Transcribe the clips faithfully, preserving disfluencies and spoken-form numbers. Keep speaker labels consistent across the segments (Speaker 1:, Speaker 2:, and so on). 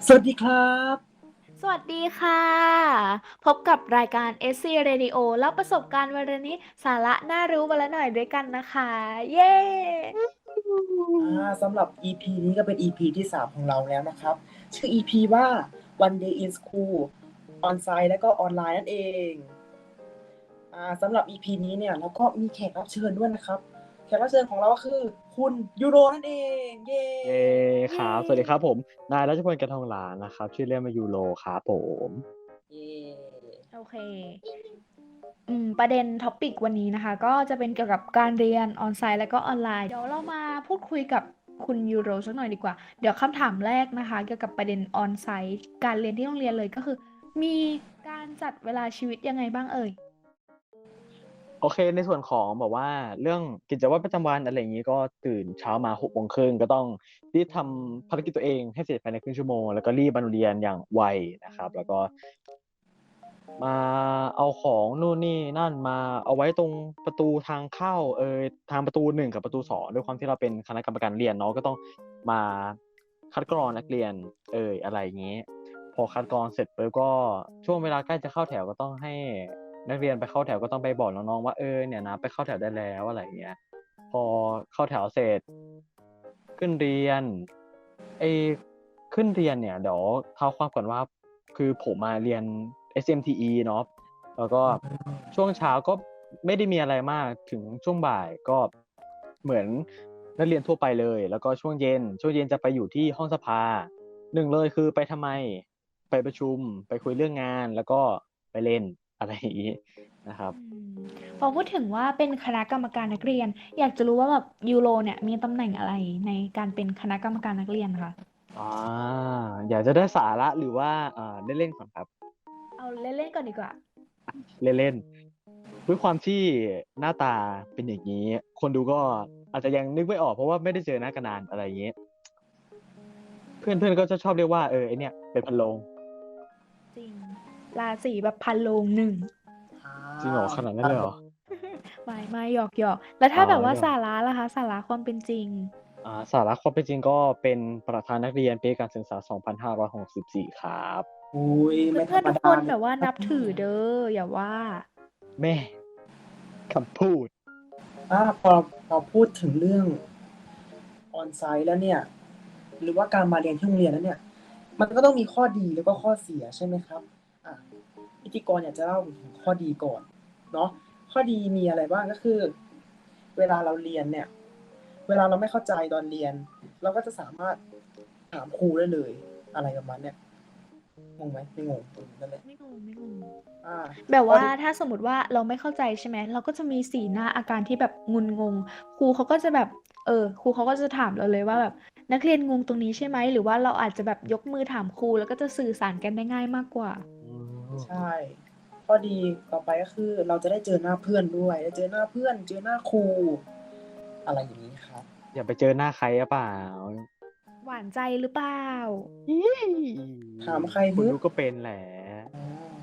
Speaker 1: สวัสดีครับ
Speaker 2: สวัสดีค่ะพบกับรายการ เอส ซี Radio เล่าประสบการณ์วันละนิดสาระน่ารู้วันละหน่อยด้วยกันนะคะเย้
Speaker 1: อ่าสำหรับ อี พี นี้ก็เป็น อี พี ที่สามของเราแล้วนะครับชื่อ อี พี ว่า One Day in School On-site และก็ออนไลน์นั่นเองอ่าสำหรับ อี พี นี้เนี่ยเราก็มีแขกรับเชิญด้วยนะครับแขกรับเชิญของเราก็คือคุณยูโรนั่นเองเย้
Speaker 3: เย้ค
Speaker 2: เย้
Speaker 3: รับสวัสดีครับผมนายรัชพลกระทองหลานนะครับชื่อเล่นมายูโรครับผม
Speaker 1: เย้
Speaker 2: โอเคอืมประเด็นท็อปิกวันนี้นะคะก็จะเป็นเกี่ยวกับการเรียนออนไลน์และก็ออนไลน์เดี๋ยวเรามาพูดคุยกับคุณยูโรสักหน่อยดีกว่าเดี๋ยวคำถามแรกนะคะเกี่ยวกับประเด็นออนไซต์การเรียนที่โรงเรียนเลยก็คือมีการจัดเวลาชีวิตยังไงบ้างเอ่ย
Speaker 3: โอเคในส่วนของแบบว่าเรื่องกิจวัตรประจำวันอะไรอย่างนี้ก็ตื่นเช้ามาหกโมงครึ่งก็ต้องรีบทำภารกิจตัวเองให้เสร็จภายในครึ่งชั่วโมงแล้วก็รีบมาโรงเรียนอย่างไวนะครับแล้วก็มาเอาของนู่นนี่นั่นมาเอาไว้ตรงประตูทางเข้าเออทางประตูหนึ่งกับประตูสองด้วยความที่เราเป็นคณะกรรมการเรียนเนาะก็ต้องมาคัดกรองนักเรียนเอออะไรอย่างนี้ พอคัดกรองเสร็จปุ๊บก็ช่วงเวลาใกล้จะเข้าแถวก็ต้องให้นักเรียนไปเข้าแถวก็ต้องไปบอกน้องๆว่าเออเนี่ยนะไปเข้าแถวได้แล้วอะไรอย่างเงี้ยพอเข้าแถวเสร็จขึ้นเรียนไอ้ขึ้นเรียนเนี่ยเดี๋ยวเท้าความก่อนว่าคือผมมาเรียน เอส เอ็ม ที อี เนาะแล้วก็ช่วงเช้าก็ไม่ได้มีอะไรมากถึงช่วงบ่ายก็เหมือนนักเรียนทั่วไปเลยแล้วก็ช่วงเย็นช่วงเย็นจะไปอยู่ที่ห้องสภาหนึ่งเลยคือไปทำไม ไปประชุมไปคุยเรื่องงานแล้วก็ไปเล่นอะไรอย่างนี้นะครับ
Speaker 2: อืมพอพูดถึงว่าเป็นคณะกรรมการนักเรียนอยากจะรู้ว่าแบบยูโรเนี่ยมีตำแหน่งอะไรในการเป็นคณะกรรมการนักเรียนคะ
Speaker 3: อ่าอยากจะได้สาระหรือว่าอ่าเล่นๆก่อนครับ
Speaker 2: เอาเล่นๆก่อนดีกว่า
Speaker 3: เล่นๆด้วยความที่หน้าตาเป็นอย่างนี้คนดูก็อาจจะยังนึกไม่ออกเพราะว่าไม่ได้เจอหน้ากันนานอะไรอย่างนี้เพื่อนๆก็จะชอบเรียกว่าเออไอเนี่ยเป็นพันโลง
Speaker 2: จริงราศีแบบพันโลงหนึ่ง
Speaker 1: อ่
Speaker 3: จริงเหรอ
Speaker 1: า
Speaker 3: ขนาดนั้นเลยเหรอ
Speaker 2: ไม่ไม่หยอกหยอกแล้ว
Speaker 3: อ๋อ
Speaker 2: ถ้าแบบว่า
Speaker 3: เดี๋ยว
Speaker 2: สาระล่ะคะสาระความเป็นจริง
Speaker 3: อ่าสาระความเป็นจริงก็เป็นประธานนักเรียนปีการศึกษาสองพันห้าร้อยหกสิบสี่ครับ
Speaker 1: อุ้ยไม่ธรรม
Speaker 2: เพื่อนๆทุกคน
Speaker 1: ดาเลย
Speaker 2: แบบว่านับถือเด้ออย่าว่า
Speaker 3: แม่คำพูด
Speaker 1: อ่าพอพอพูดถึงเรื่องออนไซต์แล้วเนี่ยหรือว่าการมาเรียนที่โรงเรียนแล้วเนี่ย มันก็ต้องมีข้อดีแล้วก็ข้อเสียใช่ไหมครับอ่ะพิธีกรอยากจะเล่าถึงข้อดีก่อนเนาะข้อดีมีอะไรบ้างก็คือเวลาเราเรียนเนี่ยเวลาเราไม่เข้าใจตอนเรียนเราก็จะสามารถถามครูได้เลยอะไรประมาณเนี้ยงงไหมไม่งงเออนั่นแหละ
Speaker 2: ไม่งงไม่งง
Speaker 1: อ่า
Speaker 2: แบบว่า
Speaker 1: ข้อดี
Speaker 2: ถ้าสมมติว่าเราไม่เข้าใจใช่ไหมเราก็จะมีสีหน้าอาการที่แบบงุนงงครูเขาก็จะแบบเออครูเขาก็จะถามเราเลยว่าแบบนักเรียนงงตรงนี้ใช่ไหมหรือว่าเราอาจจะแบบยกมือถามครูแล้วก็จะสื่อสารกันได้ง่ายมากกว่า
Speaker 3: อื
Speaker 1: ใช่
Speaker 3: ม
Speaker 1: ข้อดีต่อไปก็คือเราจะได้เจอหน้าเพื่อนด้วยได้เจอหน้าเพื่อนเจอหน้าครูอะไรอย่างนี้ครับ
Speaker 3: อย่าไปเจอหน้าใครหรือเปล่า
Speaker 2: หวานใจหรือเปล่า
Speaker 3: อี๋
Speaker 1: ถามใครฮึ
Speaker 3: คุณรู้ก็เป็นแหละ
Speaker 1: อ๋อ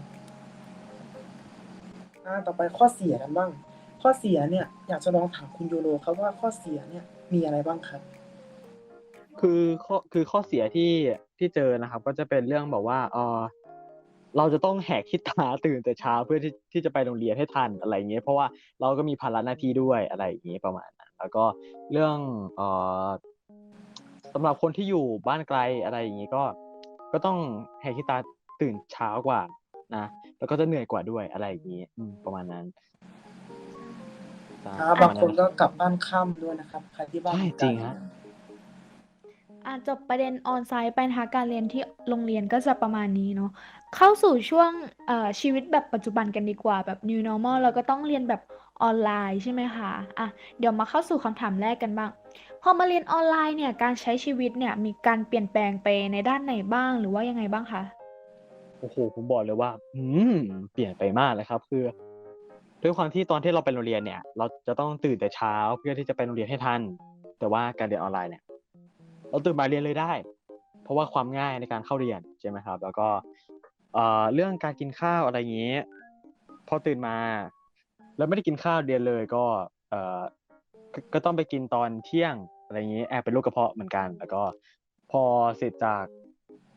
Speaker 1: อ่าต่อไปข้อเสียกันบ้าง ข้อเสียเนี่ยอยากจะลองถามคุณยูโรครับว่าข้อเสียเนี่ยมีอะไรบ้างครับ
Speaker 3: คือข้อคือข้อเสียที่ที่เจอนะครับก็จะเป็นเรื่องแบบว่าเออเราจะต้องแหกขี้ตาตื่นแต่เช้าเพื่อที่ที่จะไปโรงเรียนให้ทันอะไรอย่างเงี้ยเพราะว่าเราก็มีภาระหน้าที่ด้วยอะไรอย่างเงี้ยประมาณนั้นแล้วก็เรื่องเอ่อสำหรับคนที่อยู่บ้านไกลอะไรอย่างงี้ก็ก็ต้องแหกขี้ตาตื่นเช้ากว่านะแล้วก็จะเหนื่อยกว่าด้วยอะไรอย่างงี้อืมประมาณนั้น
Speaker 2: ใช่
Speaker 3: ใช่
Speaker 1: อ่า
Speaker 3: ประ
Speaker 1: บางคน
Speaker 3: มาณนั้นนะครับ
Speaker 1: ก็กลับบ้านค่ำด้วยนะครับใครที่บ้าน
Speaker 3: ใช่
Speaker 1: อยู่ไกล
Speaker 3: จริงฮะ
Speaker 2: อ่ะจบประเด็นออนไซต์ไปนะคะการเรียนที่โรงเรียนก็จะประมาณนี้เนาะเข้าสู่ช่วงเอ่อชีวิตแบบปัจจุบันกันดีกว่าแบบ นิว นอร์มัล เราก็ต้องเรียนแบบออนไลน์ใช่ไหมคะอ่ะเดี๋ยวมาเข้าสู่คำถามแรกกันบ้างพอมาเรียนออนไลน์เนี่ยการใช้ชีวิตเนี่ยมีการเปลี่ยนแปลงไปในด้านไหนบ้างหรือว่ายังไงบ้างคะ
Speaker 3: โอ้โหผมบอกเลยว่าอืมเปลี่ยนไปมากเลยครับคือด้วยความที่ตอนที่เราไปโรงเรียนเนี่ยเราจะต้องตื่นแต่เช้าเพื่อที่จะไปโรงเรียนให้ทันแต่ว่าการเรียนออนไลน์เนี่ยเราตื่นมาเรียนเลยได้เพราะว่าความง่ายในการเข้าเรียนใช่ไหมครับแล้วก็เอ่อเรื่องการกินข้าวอะไรอย่างนี้พอตื่นมาแล้วไม่ได้กินข้าวเรียนเลยก็เอ่อก็ก็ต้องไปกินตอนเที่ยงอะไรอย่างนี้แอบเป็นโรคกระเพาะเหมือนกันแล้วก็พอเสร็จจาก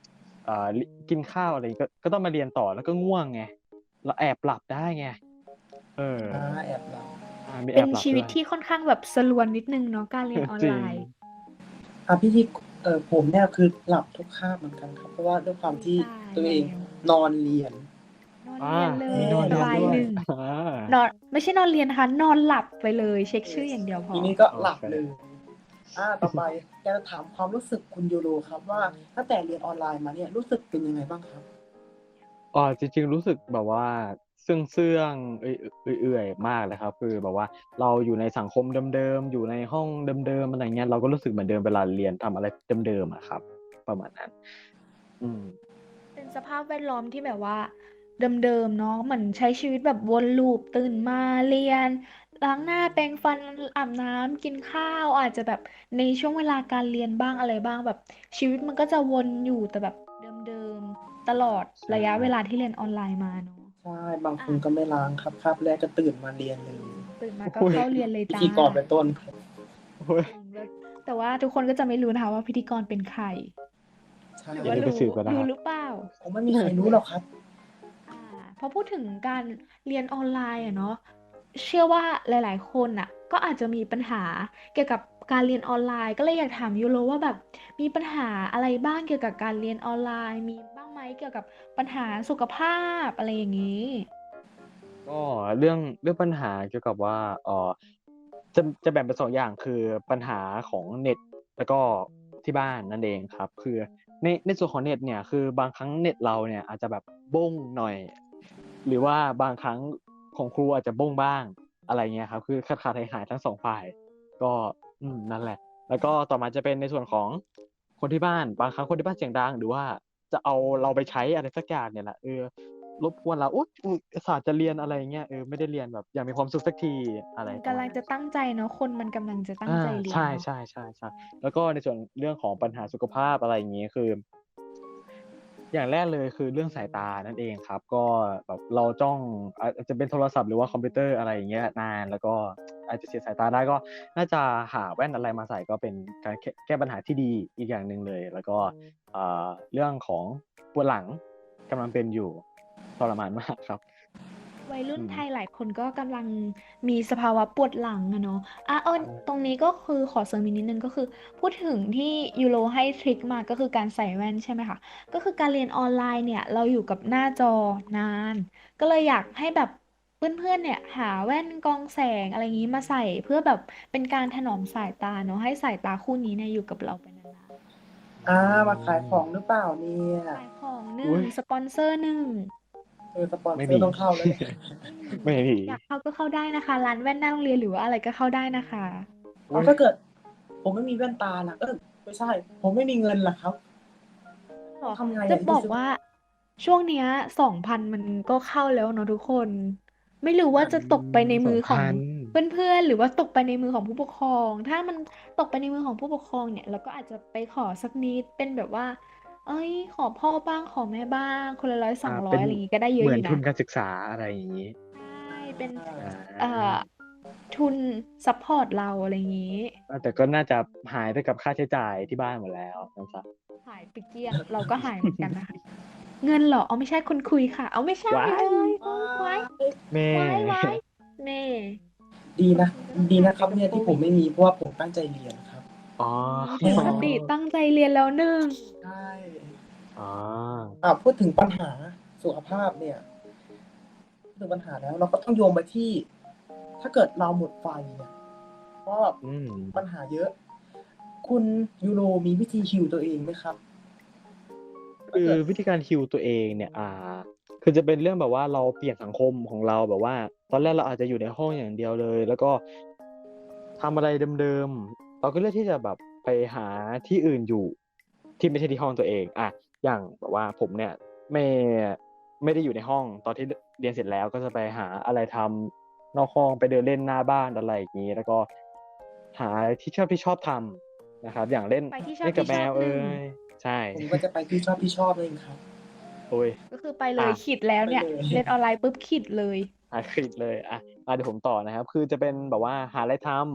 Speaker 3: เอ่อลิกินข้าวอะไรก็ก็ต้องมาเรียนต่อแล้วก็ง่วงไงเราแอบหลับได้ไงเออ
Speaker 1: อ่าแอบหลับ
Speaker 3: อ่ามีแอ
Speaker 2: เป็น
Speaker 3: บหลับ
Speaker 2: ชีวิ
Speaker 3: ด้
Speaker 2: ต
Speaker 3: วย
Speaker 2: ที่ค่อนข้างแบบสลวนนิดนึงเนาะการเรียนออน
Speaker 3: จริ
Speaker 2: ไล
Speaker 3: ง
Speaker 2: น์
Speaker 1: อ่ะพี่ที่เออผมเนี่ยคือหลับทุกคาบเหมือนกันครับ เพราะว่าด้วยความที่
Speaker 2: ตาย
Speaker 1: ตัว
Speaker 2: แล้
Speaker 1: เอง
Speaker 2: วน
Speaker 1: อนเรียน
Speaker 2: นอน
Speaker 3: อ่า
Speaker 2: เรียนเล
Speaker 3: มี
Speaker 2: ย
Speaker 3: นอนเรียน
Speaker 2: ราย
Speaker 3: ด้วย
Speaker 2: หนึ่ง
Speaker 3: อ่าน
Speaker 2: อนไม่ใช่นอนเรียนนะคะ นอนหลับไปเลย เช็คชื่ออย่างเดียวพ
Speaker 1: ที
Speaker 2: อ
Speaker 1: นี้ก็
Speaker 3: โอ
Speaker 1: หลับ
Speaker 3: เค
Speaker 1: เลย อ่า ต่อไป อยากจะถามความรู้สึกคุณยูโรครับว่า ตั้งแต่เรียนออนไลน์มาเนี่ยรู้สึกเป็นยังไงบ้างครับ?
Speaker 3: อ่า จริง ๆ รู้สึกแบบว่าเซื่อง ๆ เอื่อย เอื่อย ๆ มากเลยครับ คือแบบว่าเราอยู่ในสังคมเดิม ๆ อยู่ในห้องเดิม ๆ อะไรอย่างเงี้ย เราก็รู้สึกเหมือนเดิมเวลาเรียนทำอะไรเดิม ๆ อะครับ ประมาณนั้น อืม
Speaker 2: เป็นสภาพแวดล้อมที่แบบว่าเดิม ๆ เนาะ เหมือนใช้ชีวิตแบบวน loop ตื่นมาเรียน ล้างหน้า แปรงฟัน อาบน้ำ กินข้าว อาจจะแบบในช่วงเวลาการเรียนบ้างอะไรบ้าง แบบชีวิตมันก็จะวนอยู่แต่แบบเดิม ๆ ตลอด
Speaker 3: ใช่
Speaker 2: ระยะเวลาที่เรียนออนไลน์มาเนาะ
Speaker 1: ใช่ บาง
Speaker 2: อ
Speaker 1: คน
Speaker 2: า
Speaker 1: ก็ไม่ล้างครับ คาบแรกก็ตื่นมาเรียนเลย
Speaker 2: ตื่นมาก็
Speaker 3: โอ้ย
Speaker 2: เข้าเรียนเลย
Speaker 1: พิ
Speaker 2: จ้
Speaker 1: ธีกรเป็นต้น
Speaker 3: โอ๊ย
Speaker 2: จริง แล้ว แต่ว่าทุกคนก็จะไม่รู้นะคะว่าพิธีกรเป็นใคร
Speaker 1: ใช่
Speaker 2: หรือ
Speaker 3: อย่า
Speaker 2: ว่า
Speaker 3: ลืม
Speaker 2: ร
Speaker 3: ไป
Speaker 2: ู้
Speaker 3: สืบกันนะ
Speaker 2: รู้
Speaker 3: ครับ
Speaker 2: หรือเปล่า?
Speaker 1: คงไม่มีใครรู้หรอกครับ
Speaker 2: อา พอพูดถึงการเรียนออนไลน์อะเนาะ เชื่อว่าหลาย ๆ คนน่ะก็อาจจะมีปัญหาเกี่ยวกับการเรียนออนไลน์ ก็เลยอยากถามยูโรว่าแบบมีปัญหาอะไรบ้างเกี่ยวกับการเรียนออนไลน์ มีบ้างไหมเกี่ยวกับปัญหาสุขภาพ อะไรอย่างงี้?
Speaker 3: ก็เรื่อง เรื่องปัญหาเกี่ยวกับว่า เอ่อ จะ จะแบ่งเป็น สอง อย่าง คือปัญหาของเน็ต แล้วก็ที่บ้านนั่นเองครับ คือใน ในส่วนของเน็ตเนี่ย คือบางครั้งเน็ตเราเนี่ยอาจจะแบบบ้งหน่อย หรือว่าบางครั้งของครูอาจจะบ้งบ้าง อะไรเงี้ยครับ คือขาด ๆ หาย ๆ ทั้ง สอง ฝ่าย ก็ อืม นั่นแหละ แล้วก็ต่อมาจะเป็นในส่วนของคนที่บ้าน บางครั้งคนที่บ้านเสียงดัง หรือว่าจะเอาเราไปใช้อะไรสักอย่างเนี่ยแหละ เออ รบกวนเรา อุ๊ย อุตส่าห์จะเรียน อะไรอย่างเงี้ย เออ ไม่ได้เรียนแบบอย่างมีความสุขสักที อะไร
Speaker 2: มันก
Speaker 3: ประ
Speaker 2: ำ
Speaker 3: ม
Speaker 2: ล
Speaker 3: า
Speaker 2: ั
Speaker 3: ณนั
Speaker 2: งจ้ะ
Speaker 3: น
Speaker 2: ตั้งใจเนาะ คนมันกำลังจะตั้
Speaker 3: อ
Speaker 2: ง
Speaker 3: า
Speaker 2: ใจเรี
Speaker 3: ใ
Speaker 2: ยนเนาะ
Speaker 3: ช่ ๆ ๆ ๆ แล้วก็ในส่วนเรื่องของปัญหาสุขภาพ อะไรอย่างงี้ คือ อย่างแรกเลยคือเรื่องสายตานั่นเองครับ ก็แบบเราจ้อง อาจ อาจจะเป็นโทรศัพท์ หรือว่าคอมพิวเตอร์ อะไรอย่างเงี้ย นาน แล้วก็ อาจจะเสียสายตาได้ ก็น่าจะหาแว่นอะไรมาใส่ ก็เป็นการแคะ แก้ปัญหาที่ดีอีกอย่างหนึ่งเลย แล้วก็ อ่า เรื่องของปวดหลังกำลังเป็นอยู่ ทรมาน มาก ครับ
Speaker 2: วัยรุ่
Speaker 3: อ
Speaker 2: นืไท
Speaker 3: ม
Speaker 2: ยหลายคนก็กำลังมีสภาวะปวดหลังอะเนาะ อา เอิ้
Speaker 3: ใช
Speaker 2: น
Speaker 3: ่
Speaker 2: ตรงนี้ก็คือขอเสริมอีกนิดหนึ่ง ก็คือพูดถึงที่ยูโรให้ทริกมา ก็คือการใส่แว่น ใช่ไหมคะ ก็คือการเรียนออนไลน์เนี่ยเราอยู่กับหน้าจอนาน ก็เลยอยากให้แบบเพื่อน ๆ เนี่ยหาแว่นกรองแสง อะไรงี้ มาใส่ เพื่อแบบเป็นการถนอมสายตาเนาะ ให้สายตาคู่นี้เนี่ยอยู่กับเราไปนาน ๆ
Speaker 1: อา มาขายของหรือเปล่าเนี่ย?
Speaker 2: ขายของหน
Speaker 3: อึ
Speaker 2: ่
Speaker 3: ๊
Speaker 2: ง
Speaker 3: ย
Speaker 2: สปอนเซอร์หนึ่ง
Speaker 1: เออ สปอน
Speaker 3: ไม่ม
Speaker 1: เซอร์
Speaker 3: ี
Speaker 1: ต้องเข้าแล้วเนี่ย
Speaker 2: ไม่มี
Speaker 3: ไม่มี
Speaker 2: อยากเข้าก็เข้าได้นะคะ ร้านแว่นหน้าโรงเรียน หรือว่าอะไรก็เข้าได้นะคะ
Speaker 1: อ๋อ ถ้าเกิดผมไม่มีแว่นตาล่ะ เอ๊ย ไม่ใช่ ผมไม่มีเงินล่ะครับ
Speaker 2: เหรอ?
Speaker 1: ต้องทำไง
Speaker 2: จะ
Speaker 1: อะที่
Speaker 2: บ
Speaker 1: ไป
Speaker 2: อก
Speaker 1: ซื้อ?
Speaker 2: ว่าช่วงเนี้ย สองพัน มันก็เข้าแล้วเนาะทุกคน ไม่รู้ว่า
Speaker 1: อา
Speaker 2: จะตกไปใน
Speaker 3: ส
Speaker 2: มือขอ
Speaker 3: องพ
Speaker 2: งั
Speaker 3: น
Speaker 2: เพื่อน ๆ หรือว่าตกไปในมือของผู้ปกครอง ถ้ามันตกไปในมือของผู้ปกครองเนี่ย เราก็อาจจะไปขอสักนิด เป็นแบบว่า เอ๊ย ขอพ่อบ้าง ขอแม่บ้าง คนละ ร้อยส
Speaker 3: อ
Speaker 2: อง
Speaker 3: า
Speaker 2: ร้
Speaker 3: เ
Speaker 2: อ
Speaker 3: ป
Speaker 2: ย
Speaker 3: ็น
Speaker 2: อะไรงี้ ก็ได้เยอ
Speaker 3: เห
Speaker 2: ะ
Speaker 3: มื
Speaker 2: อย
Speaker 3: อูน่ทุ
Speaker 2: นะ
Speaker 3: นการศึกษา อะไรอย่างงี้
Speaker 2: ใช่ เป็น
Speaker 3: อ
Speaker 2: เอ่อ
Speaker 3: า
Speaker 2: ทุนซัปพอร์ตเรา อะไรงี้
Speaker 3: อา แต่ก็น่าจะหายไปกับค่าใช้จ่ายที่บ้านหมดแล้วนะครับ
Speaker 2: หายไปเกลี้ยง เราก็หายเหมือนกันนะคะ เงินเหรอ? อ๋อ ไม่ใช่ คนคุยค่ะ อ้าว ไม่ใช่
Speaker 3: ว้า
Speaker 2: เฮ้
Speaker 3: ย!
Speaker 2: ย เฮ้ย ว้าย
Speaker 3: แม่
Speaker 2: ว้าย ว้าย แหม่
Speaker 1: ดีนะ
Speaker 2: บางทีก็ต้อง
Speaker 1: ดีน
Speaker 2: หาย
Speaker 1: ะ
Speaker 2: ไ
Speaker 1: ครับเน
Speaker 2: ปกับี่
Speaker 1: ย
Speaker 2: โคว
Speaker 1: ที่ผิ
Speaker 2: ด
Speaker 1: มไม่มี เพราะว่าผมตั้งใจเรียนครับ
Speaker 3: อ๋อ
Speaker 2: อืม ถือคติตั้งใจเรียนแล้วหนึ่ง
Speaker 1: ใช่
Speaker 3: อ๋อ
Speaker 1: อ่า พูดถึงปัญหาสุขภาพเนี่ย พูดถึงปัญหาแล้ว เราก็ต้องโยงไปที่ ถ้าเกิดเราหมดไฟเนี่ย เพราะแบบ
Speaker 3: อืม
Speaker 1: ปัญหาเยอะ คุณยูโรมีวิธี heal ตัวเองไหมครับ?
Speaker 3: ค
Speaker 1: ถ้า
Speaker 3: ื
Speaker 1: เ
Speaker 3: อ
Speaker 1: กิด
Speaker 3: วิธีการ heal ตัวเองเนี่ย อ่า คือจะเป็นเรื่องแบบว่าเราเปลี่ยนสังคมของเรา แบบว่าตอนแรกเราอาจจะอยู่ในห้องอย่างเดียวเลย แล้วก็ทำอะไรเดิม ๆ เราก็เลือกที่จะแบบไปหาที่อื่นอยู่ ที่ไม่ใช่ที่ห้องตัวเอง อา อย่างแบบว่าผมเนี่ยไม่ ไม่ได้อยู่ในห้อง ตอนที่ ร เรียนเสร็จแล้วก็จะไปหาอะไรทำนอกห้อง ไปเดินเล่นหน้าบ้าน อะไรอย่างงี้ แล้วก็หาที่ชอบ ที่ชอบทำนะครับ อย่างเล่น
Speaker 2: ไปที่ช
Speaker 3: เ
Speaker 2: อ
Speaker 3: ล่นกับแมว
Speaker 2: บ
Speaker 3: เ
Speaker 2: ๆ ห
Speaker 3: อ
Speaker 2: นึ่ง
Speaker 3: ย ใช่
Speaker 1: ผมก็จะไปที่ชอบ ที่ชอบนั่นเองครับ
Speaker 3: โอ๊ย
Speaker 2: ก็คือไปเล
Speaker 3: อ
Speaker 2: ย
Speaker 3: า
Speaker 2: ขิดแล้ว
Speaker 1: ไป
Speaker 2: เนี่ย
Speaker 1: เลย
Speaker 2: เรียนออนไลน์ปุ๊บ ขิดเลย
Speaker 3: อา ขิดเลย อา อา เดี๋ยวผมต่อนะครับ คือจะเป็นแบบว่าหาอะไรทำ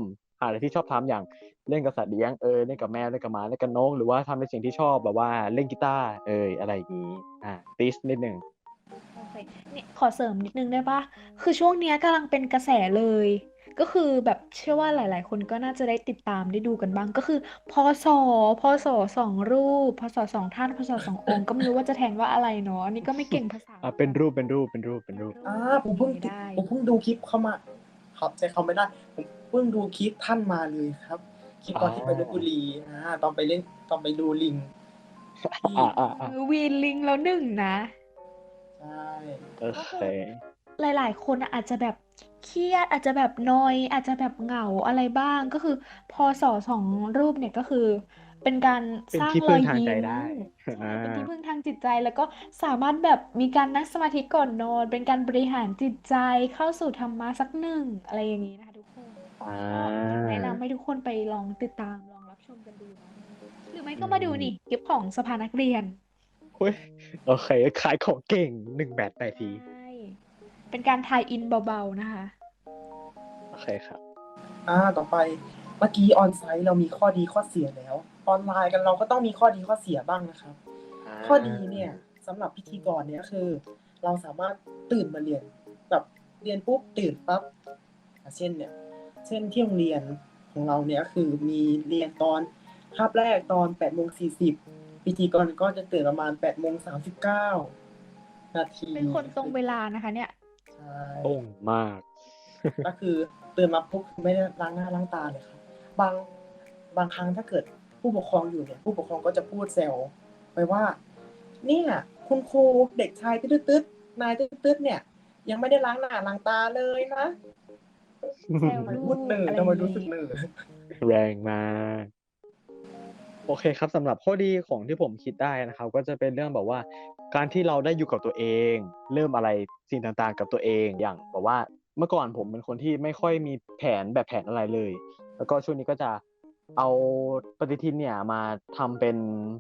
Speaker 3: หาอะไรที่ชอบทำอย่างเล่นกับสัตว์เลี้ยงเออเล่นกับแมวเล่นกับหมาเล่นกับนกหรือว่าทำในสิ่งที่ชอบแบบว่าเล่นกีตาร์เอออะไรอย่างนี้อ่าติสนิดหนึ่ง
Speaker 2: โอเคเนี่ยขอเสริมนิดนึงได้ปะคือช่วงเนี้ยกำลังเป็นกระแสเลย ก็คือแบบเชื่อว่าหลาย ๆ คนก็น่าจะได้ติดตามได้ดูกันบ้าง ก็คือพศพศสองรูปพศสองท่านพศสององค์ก็ไม่รู้ว่าจะแทนว่าอะไรเนาะอันนี้ก็ไม่เก่งภาษาเห
Speaker 3: อ่า
Speaker 2: มือน
Speaker 3: เป็นรูป
Speaker 2: กัน
Speaker 3: เป็นรูปเป็นรูปเป็นรูป
Speaker 2: เป็นรู
Speaker 1: อ่า
Speaker 2: ป
Speaker 1: ผ
Speaker 2: โอ
Speaker 1: ม
Speaker 2: เค
Speaker 1: เพิ่งติ
Speaker 2: ได้
Speaker 1: ผมเพิ่งดูคลิปเข้ามาครับใจเขาไม่ได้ ผมเพิ่งดูคลิปท่านมาเลยครับ คลิปตอนที่ไปลพบุรีอ่าตอนไปเล่นตอนไปดูลิงที่
Speaker 3: อ่าอ่าอ่า
Speaker 2: เออวีนลิงแล้วหนึ่งนะ
Speaker 1: ใช่
Speaker 3: โอ
Speaker 2: ก็
Speaker 3: เค
Speaker 2: คือหลาย ๆ คนอะอาจจะแบบเครียดอาจจะแบบนอยอาจจะแบบเหงาอะไรบ้างก็คือพอสอสองรูปเนี่ยก็คือเป็นการ
Speaker 3: เป็
Speaker 2: สร้าง
Speaker 3: นที่
Speaker 2: ร
Speaker 3: พึ่
Speaker 2: อง ย
Speaker 3: ทางใจ
Speaker 2: ยิ้ม
Speaker 3: ได้
Speaker 2: ใช่
Speaker 3: อ่า
Speaker 2: เป็นที่พึ่งทางจิตใจแล้วก็สามารถแบบมีการนั่งสมาธิก่อนนอนเป็นการบริหารจิตใจเข้าสู่ธรรมะสักหนึ่งอะไรอย่างนี้นะคะทุกคน
Speaker 3: อ่า
Speaker 2: ก็อยากแนะนำให้ทุกคนไปลองติดตามลองรับชมกันดูเนาะหรือไม่
Speaker 3: อื
Speaker 2: ก็มาดู
Speaker 3: ม
Speaker 2: นี่คลิปของสภานักเรียน
Speaker 3: เฮ้ยโอเคขายของเก่งหนึ่งแบตไปที
Speaker 2: ใช่ เป็นการทายอินเบา ๆ นะคะ
Speaker 3: โอเคครับ
Speaker 1: อ่าต่อไปเมื่อกี้ออนไซต์เรามีข้อดีข้อเสียแล้ว ออนไลน์กันเราก็ต้องมีข้อดีข้อเสียบ้างนะครับ
Speaker 3: อ่า
Speaker 1: ข้อดีเนี่ยสำหรับพิธีกรเนี่ยคือ เราสามารถตื่นมาเรียนแบบเรียนปุ๊บตื่นปั๊บอ่ะเช่นเนี่ยเช่นที่โรงเรียนของเราเนี่ยคือมีเรียนตอนคาบแรกตอนแปดโมงสี่สิบพิธีกรก็จะตื่นประมาณแปดโมงสามสิบเก้านาที
Speaker 2: เป็นคนตรงเวลานะคะเนี่ย
Speaker 1: ใช่
Speaker 3: ตรงมาก
Speaker 1: ก็คือตื่นมาปุ๊บไม่ได้ล้างหน้าล้างตาเลยครับบางบางครั้งถ้าเกิดผู้ปกครองอยู่เนี่ยผู้ปกครองก็จะพูดแซวไปว่าเนี่ยคุณครูเด็กชายตึ๊ดตึ๊ดนายตึ๊ดตึ๊ดเนี่ย ยังไม่ได้ล้างหน้าล้างตาเลยนะ
Speaker 2: แซว
Speaker 1: ทำไม
Speaker 2: ลู
Speaker 1: พูด
Speaker 2: ก
Speaker 1: เนอ
Speaker 2: อะไร
Speaker 1: ทำไม
Speaker 2: อย่าง
Speaker 1: รู้สึก
Speaker 2: นี้
Speaker 1: เนอ
Speaker 3: แรงมาก โอเคครับสำหรับข้อดีของที่ผมคิดได้นะครับ ก็จะเป็นเรื่องแบบว่า การที่เราได้อยู่กับตัวเอง เริ่มอะไรสิ่งต่างๆ กับตัวเองอย่างแบบว่าเมื่อก่อนผมเป็นคนที่ไม่ค่อยมีแผนแบบแผนอะไรเลย แล้วก็ช่วงนี้ก็จะเอาปฏิทินเนี่ยมาทำเป็น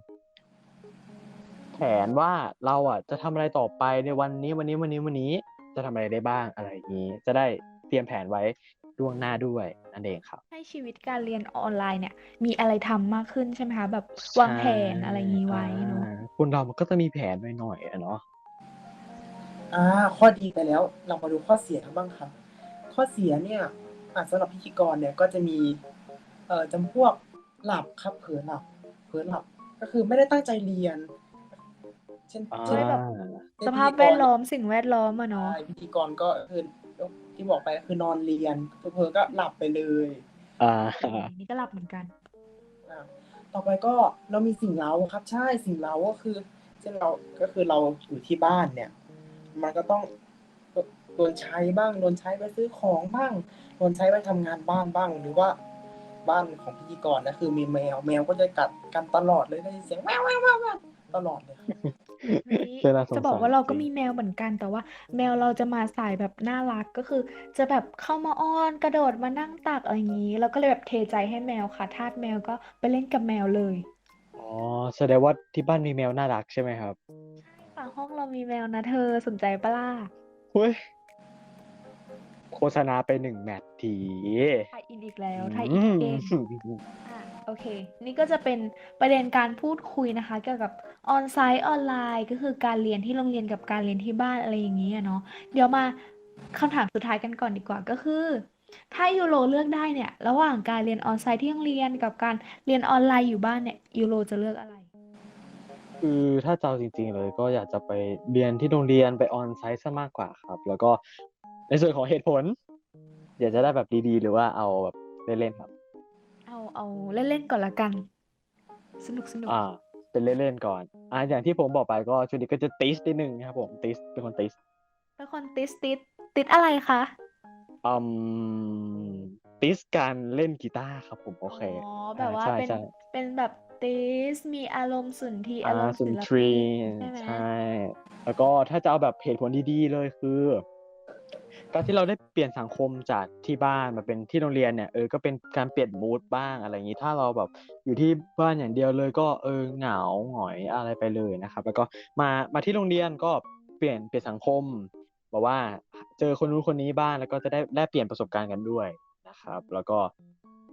Speaker 3: แผนว่าเราอ่ะจะทำอะไรต่อไปในวันนี้วันนี้วันนี้วันนี้จะทำอะไรได้บ้างอะไรอย่างนี้ จะได้เตรียมแผนไว้ล่วงหน้าด้วยนั่นเองครับ
Speaker 2: ให้ชีวิตการเรียนออนไลน์เนี่ย มีอะไรทำมากขึ้นใช่ไหมคะแบบวางแผนอะไรอย่างนี้ไว้เนาะ
Speaker 3: อ่าคนเรามันก็จะมีแผนหน่อยๆอะเนาะ
Speaker 1: อ่าข้อดีไปแล้วเรามาดูข้อเสียกันบ้างครับ ข้อเสียเนี่ยอ่าสำหรับพิธีกรเนี่ยก็จะมีเอ่อจำพวกหลับครับเผลอหลับเผลอหลับก็คือไม่ได้ตั้งใจเรียน เช่น
Speaker 3: อ่า
Speaker 1: เช่น
Speaker 2: ด้วยแบบ
Speaker 1: เช่น
Speaker 2: สภาพ
Speaker 1: พิธีกร
Speaker 2: แวดล้อมสิ่งแวดล้อมอะเนาะ
Speaker 1: ใช่พิธีกรก็คือที่บอกไปก็คือนอนเรียนเผลอๆก็หลับไปเลย
Speaker 3: อ่า
Speaker 2: นี่ก็หลับเหมือนกัน
Speaker 1: อ่าต่อไปก็เรามีสิ่งเร้าครับใช่สิ่งเร้าก็คือเช่นเราก็คือเราอยู่ที่บ้านเนี่ย มันก็ต้องโดนใช้บ้างโดนใช้ไปซื้อของบ้างโดนใช้ไปทำงานบ้านบ้าง หรือว่าบ้านของพิธีกรนะคือมีแมวแมวก็จะกัดกันตลอดเลยได้ยินเสียงแววแววแววแววตลอดเลยครับ
Speaker 2: เฮ้ย
Speaker 3: เจอน่าสง
Speaker 2: จะบอก
Speaker 3: สาร
Speaker 2: ว่าเราก็
Speaker 3: จริง
Speaker 2: มีแมวเหมือนกันแต่ว่าแมวเราจะมาสายแบบน่ารักก็คือ จะแบบเข้ามาอ้อนกระโดดมานั่งตักอะไรอย่างนี้ แล้วก็เลยแบบเทใจให้แมวค่ะทาสแมวก็ไปเล่นกับแมวเลย
Speaker 3: อ๋อแสดงว่าที่บ้านมีแมวน่ารักใช่ไหมครับ
Speaker 2: ค่ะห้องเรามีแมวนะเธอสนใจปะล่ะ
Speaker 3: เฮ้ยโฆษณาไปหนึ่งแมตช์ที
Speaker 2: ไทยอินอีกแล้วไทย
Speaker 3: อื
Speaker 2: อิน
Speaker 3: ม
Speaker 2: เก่งอ่ะโอเค นี่ก็จะเป็นประเด็นการพูดคุยนะคะ เกี่ยวกับออนไซต์ออนไลน์ก็คือการเรียนที่โรงเรียนกับการเรียนที่บ้านอะไรอย่างนี้อะเนาะเดี๋ยวมาคำถามสุดท้ายกันก่อนดีกว่าก็คือ ถ้ายูโรเลือกได้เนี่ย ระหว่างการเรียนออนไซต์ที่โรงเรียนกับการเรียนออนไลน์อยู่บ้านเนี่ยยูโรจะเลือกอะไร
Speaker 3: คือถ้าจะเอาจริงๆเลยก็อยากจะไปเรียนที่โรงเรียนไปออนไซต์ซะมากกว่าครับ แล้วก็ในส่วนของเหตุผล อยากจะได้แบบดีๆ หรือว่าเอาแบบเล่นๆครับ
Speaker 2: เอาเอาเล่นๆก่อนละกัน สนุกสนุก
Speaker 3: อ่า เป็นเล่นๆก่อน อ่าอย่างที่ผมบอกไปก็ช่วงนี้ก็จะติสนิดนึงนะครับผมติสเป็นคนติส
Speaker 2: เป็นคนติดติดติดอะไรคะ
Speaker 3: อืมติสการเล่นกีตาร์ครับผมโอเค
Speaker 2: อ๋อแบ
Speaker 3: อ่า
Speaker 2: บว่า
Speaker 3: ใช่
Speaker 2: เป็น
Speaker 3: ใช่
Speaker 2: เป็นแบบติสมีอารมณ์สุนทรีย์
Speaker 3: อ่า
Speaker 2: อารมณ์
Speaker 3: สุ
Speaker 2: ศิ
Speaker 3: น
Speaker 2: ล
Speaker 3: ทรี
Speaker 2: ปินใช่ไหม
Speaker 3: ใช่ แล้วก็ถ้าจะเอาแบบเหตุผลดีๆเลยคือ การที่เราได้เปลี่ยนสังคมจากที่บ้านมาเป็นที่โรงเรียนเนี่ยเออก็เป็นการเปลี่ยนมูดบ้างอะไรอย่างนี้ถ้าเราแบบอยู่ที่บ้านอย่างเดียวเลยก็เออเหงาหงอยอะไรไปเลยนะครับ แล้วก็มามาที่โรงเรียนก็เปลี่ยนเปลี่ยนสังคมบอกว่าเจอคนนู้นคนนี้บ้างแล้วก็จะได้แลกเปลี่ยนประสบการณ์กันด้วยนะครับ แล้วก็เอ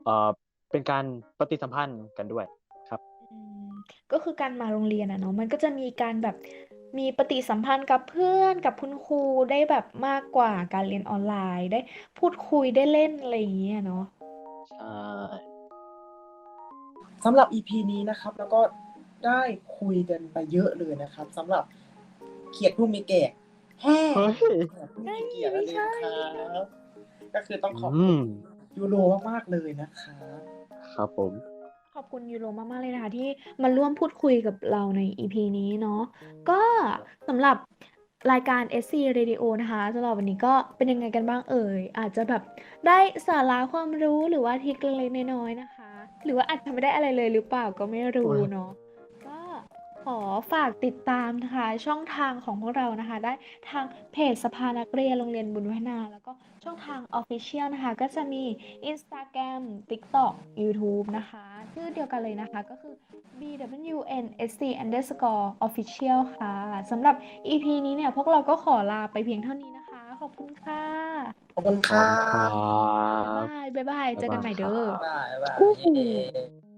Speaker 3: อ่อเป็นการปฏิสัมพันธ์กันด้วยครับ
Speaker 2: อืมก็คือการมาโรงเรียนอะเนาะมันก็จะมีการแบบมีปฏิสัมพันธ์กับเพื่อนกับคุณครูได้แบบมากกว่าการเรียนออนไลน์ได้พูดคุยได้เล่นอะไรอย่างเงี้ยเนาะ
Speaker 3: ใช่
Speaker 1: สำหรับ อี พี นี้นะครับ แล้วก็ได้คุยกันไปเยอะเลยนะครับสำหรับเขียดผู้มีเกียรติแฮ่
Speaker 3: เฮ้ย
Speaker 1: เขียดผู้
Speaker 2: เฮ้
Speaker 1: มี
Speaker 2: ย
Speaker 1: เกียรติ
Speaker 2: ไม่
Speaker 1: นั่นเอง
Speaker 2: ใช่
Speaker 1: ครับก็คือต้องขอบ
Speaker 3: อื
Speaker 1: คุณ
Speaker 3: ม
Speaker 1: ยูโรมากๆเลยนะครับ
Speaker 3: ครับผม
Speaker 2: ขอบคุณยูโรมากๆเลยนะคะที่มาร่วมพูดคุยกับเราใน อี พี นี้เนาะก็สำหรับรายการ เอส ซี Radio นะคะสำหรับวันนี้ก็เป็นยังไงกันบ้างเอ่ยอาจจะแบบได้สาระความรู้หรือว่าทริคเล็กๆน้อยๆนะคะ หรือว่าอาจจะไม่ได้อะไรเลยหรือเปล่าก็ไม่รู้เนาะก็ขอฝากติดตามนะคะช่องทางของพวกเรานะคะ ได้ทางเพจสภานักเรียนโรงเรียนบุญพัฒนาแล้วก็ช่องทาง Official นะคะก็จะมี Instagram TikTok YouTube นะคะชื่อเดียวกันเลยนะคะก็คือ บี ดับเบิลยู เอ็น เอส ซี underscore official ค่ะสำหรับ อี พี นี้เนี่ยพวกเราก็ขอลาไปเพียงเท่านี้นะคะ ขอบคุณค่ะ
Speaker 1: ขอบคุณ
Speaker 3: ข
Speaker 1: ค
Speaker 3: อบ
Speaker 1: รั
Speaker 3: คุณครับ
Speaker 1: บ
Speaker 2: บ๊ายบาย บ๊ายบาย เจอกันใหม่เด้อ
Speaker 1: บ๊ายบายบ๊ายบาย
Speaker 2: คู่หู
Speaker 1: เย้